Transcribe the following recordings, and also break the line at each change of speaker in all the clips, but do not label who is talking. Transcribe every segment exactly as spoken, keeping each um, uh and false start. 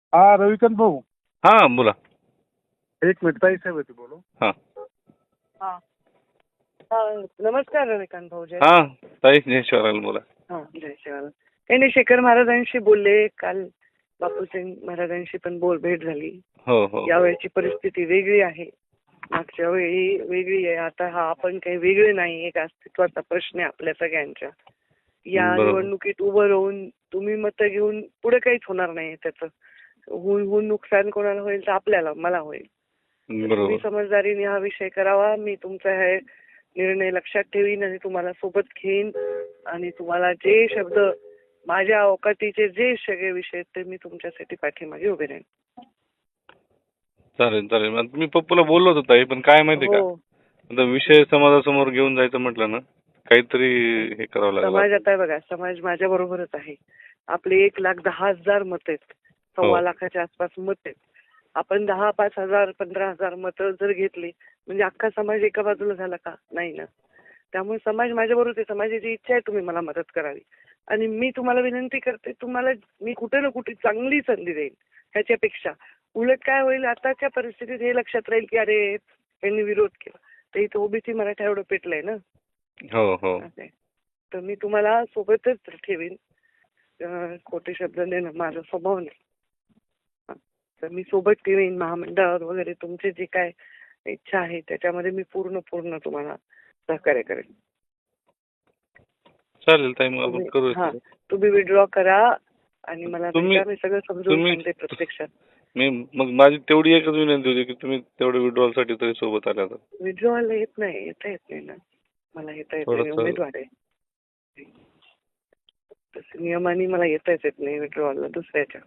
हा रविकांत भाऊ,
हा बोला.
एक मिनिट ताई साहेब होते बोलू.
हा
हा हा, नमस्कार रविकांत भाऊ. जय
हा ताई जय शिवराल बोला.
हा जय शिवाला. काही नाही, शेखर महाराजांशी बोलले काल. बापूसिंग महाराजांशी पण बोल भेट झाली.
हो हो
यावेळची परिस्थिती वेगळी आहे, मागच्या वेळी वेगळी आहे. आता हा आपण काही वेगळे नाही, एक अस्तित्वाचा प्रश्न आहे आपल्या सगळ्यांच्या. या
बरोबर.
निवडणुकीत उभं राहून तुम्ही मतं घेऊन पुढे काहीच होणार नाही. त्याचं होऊन होऊन नुकसान कोणाला होईल तर आपल्याला, मला होईल. तुम्ही
बरोबर.
समजदारीने हा विषय करावा. मी तुमचा हे निर्णय लक्षात ठेवीन आणि तुम्हाला सोबत घेईन आणि तुम्हाला जे शब्द माझ्या अवकाटीचे जे सगळे विषय आहेत ते मी तुमच्यासाठी पाठीमागे उभे राहीन.
चालेल चालेल. आता मी पप्पूला बोललो होतो ताई, पण काय माहिती का,
हो,
आता विषय समाजासमोर घेऊन जायचं म्हटलं ना, काहीतरी हे करावं लागलं.
समाज आता बघा, समाज माझ्या बरोबरच आहे. आपले एक लाख दहा हजार मत आहेत, सव्वा
हो.
लाखाच्या आसपास मत आहेत. आपण दहा पाच हजार पंधरा हजार मतं जर घेतली म्हणजे अख्खा समाज एका बाजूला झाला का? नाही ना. त्यामुळे समाज माझ्या बरोबर आहे. समाजाची इच्छा आहे तुम्ही मला मदत करावी आणि मी तुम्हाला विनंती करते, तुम्हाला मी कुठे ना कुठे चांगली संधी देईन. ह्याच्यापेक्षा उलट काय होईल, आताच्या परिस्थितीत हे लक्षात राहील की अरे यांनी विरोध केला तर इथं ओबीसी मराठा एवढं पेटलंय ना.
हो हो
असं आहे. तर मी तुम्हाला सोबतच ठेवीन. अं, खोटे शब्द देणं माझा स्वभाव नाही. हा. तर मी सोबत ठेवीन. महामंडळावर वगैरे तुमची जी काय इच्छा आहे त्याच्यामध्ये मी पूर्ण पूर्ण तुम्हाला सहकार्य करेन.
चालेल ताई, मग आपण
तुम्ही
करू.
हा तुम्ही विड्रॉ करा आणि मला
तुम्ही-
भेटा. मी सगळं समजून
तुम्ही-
सांगते प्रत्यक्षात.
मी मग माझी तेवढी एकच विनंती होती की तुम्ही तेवढं विड्रॉल साठी तरी सोबत आल्या तर.
विड्रॉला येत नाही, येता येत नाही ना. मला येता येत नाही, मी
थोडंसं-
उमेदवार आहे. तसं नियमाने मला येताच येत नाही विड्रॉला दुसऱ्याच्या.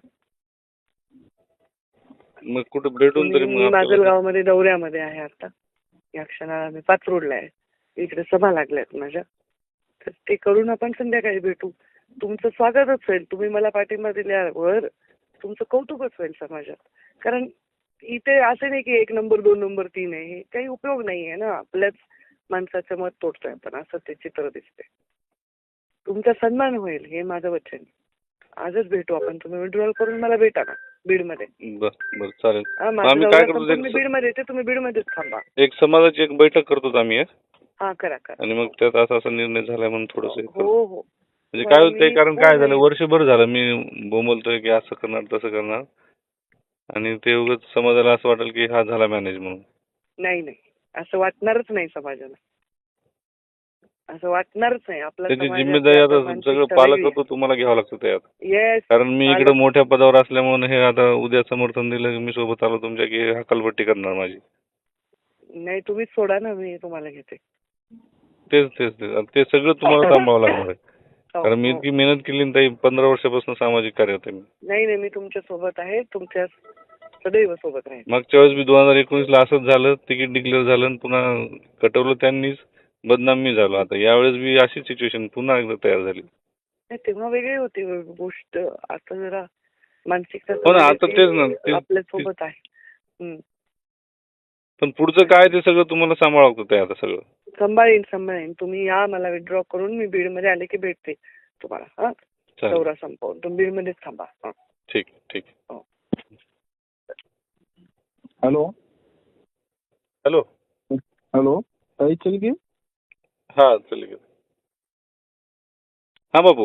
मग कुठे भेटून तरी
तुम्ही- मी
मग आपल्याला-
माजलगावमध्ये दौऱ्यामध्ये आहे आता. या क्षणाला मी पाचरोडला आहे. इकडे सभा लागल्यात माझ्या, तर ते करून आपण संध्याकाळी भेटू. तुमचं स्वागतच होईल. तुम्ही मला पाठिंबा दिल्यावर तुमचं कौतुकच होईल समाजात. कारण इथे असं नाही की एक नंबर दोन नंबर तीन आहे, हे काही उपयोग नाही आहे ना. आपल्याच माणसाचं मत तोडतोय आपण, असं ते चित्र दिसते. तुमचा सन्मान होईल हे माझं वचन. आजच भेटू आपण. तुम्ही विड्रॉल करून मला भेटा ना बीडमध्ये.
बरं बरं चालेल.
हा,
मग
माझं
आम्ही
दौरा
काय करतो,
संपून मी
एक-
बीडमध्ये येते, तुम्ही बीडमध्येच थांबा.
एक समाजाची एक बैठक करतो आम्ही एक.
हा करा करा.
आणि मग त्यात असा असा निर्णय झालाय म्हणून थोडस
हो हो.
म्हणजे काय होतंय,
मी
कारण
हो
काय झालं,
नाही.
वर्षभर झालं मी बोंबलतोय की असं करणार तसं करणार, आणि ते उगाच समाजाला असं वाटेल की हा झाला मॅनेज म्हणून.
नाही नाही, असं वाटणारच नाही समाजाला. असं वाटणारच नाही. आपला
त्याची
समाज
जिम्मेदारी
आपल्या
आता सगळं पालकत्व तुम्हाला घ्यावं लागतं त्यात.
येस.
कारण मी इकडे मोठ्या पदावर असल्यामुळे हे आता उद्या समर्थन दिलं की मी सोबत आलो तुमच्या की हकालपट्टी करणार माझी.
नाही, तुम्हीच सोडा ना, मी तुम्हाला घेते.
तेच तेच तेच ते सगळं तुम्हाला सांभाळावं लागणार आहे.
हो,
कारण मी
हो.
इतकी मेहनत केली ना ताई, पंधरा वर्षापासून सामाजिक कार्य होते मी.
नाही नाही, मी तुमच्या सोबत आहे. तुमच्या सदैव सोबत राहील.
मागच्या वेळेस मी दोन हजार एकोणीस ला असंच झालं, तिकीट डिक्लेअर झालं आणि पुन्हा कटवलं त्यांनीच, बदनाम मी झालो. आता यावेळेस बी अशी सिच्युएशन पुन्हा एकदा तयार झाली.
नाही, तेव्हा वेगळी होती गोष्ट. आता जरा मानसिकता
हो ना, आता तेच ना, ते-
आपल्या सोबत आहे. हम्म.
पण पुढचं काय ते सगळं तुम्हाला सांभाळावं लागतं आता सगळं.
सांभाळीन सांभाळीन. तुम्ही या, मला विड्रॉ करून मी बीडमध्ये आले की भेटते तुम्हाला. हा,
चालेल.
दौरा संपवून तुम्ही बीडमध्येच थांबा. हा.
ठीक ठीक.
Hello
hello.
हॅलो ताई चलगी.
हा चल गे. हा बाबू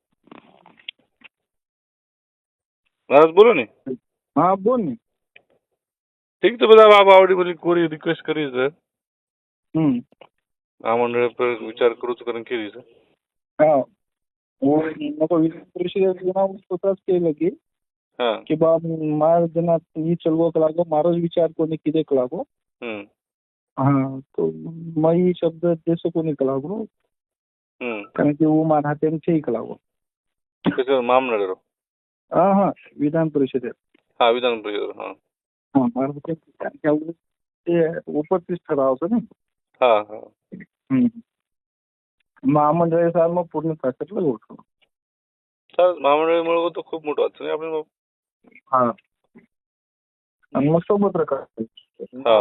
महाराज बोलो ने.
हा बोल ना.
ठीक तो બધા બાપ આવડી બધી કોરી રિક્વેસ્ટ કરી છે.
हम्म.
આ મંડળે પર વિચાર કરું છું કરીને કેવી છે.
हा हो, नको विधान परिषदेत स्वतःच केलं की
हा.
की बा मार जना ही चलवक लागो, मारो विचार कोणी किदेक लागो.
हम्म.
हा, तो मई शब्द देश कोणी लागो,
हम्म.
कारण की वो मान हाते ठीक लागो.
कसं मामनडर.
हा हा, विधान परिषदेत.
हा विधान परिषद. हा
हा, मार ते उपस्थित ठरावचं ना.
हा हा.
महामंडळ साल मग पूर्ण ताकदला गोठव.
चालेल, महामंडळामुळे तो खूप मोठं वाटतं नाही आपण.
हा, आणि मग सोबत राहतो.
हा.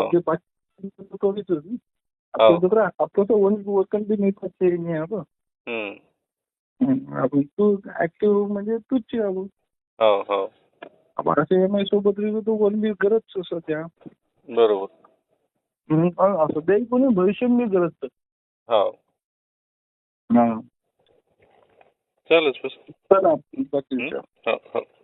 आपलं तर वन वकन बी नाही पाहिजे नाही आपण.
हम्म.
आपण तू ऍक्टिव्ह म्हणजे तूच आपण.
हो हो.
बाराशे एम आय सोबत तो वन बी गरज सध्या
बरोबर.
हम्म, अ, सध्या कोणी भविष्य मी गरज
हा
हा
चालेल बस.
चला बाकी
हं? हो हो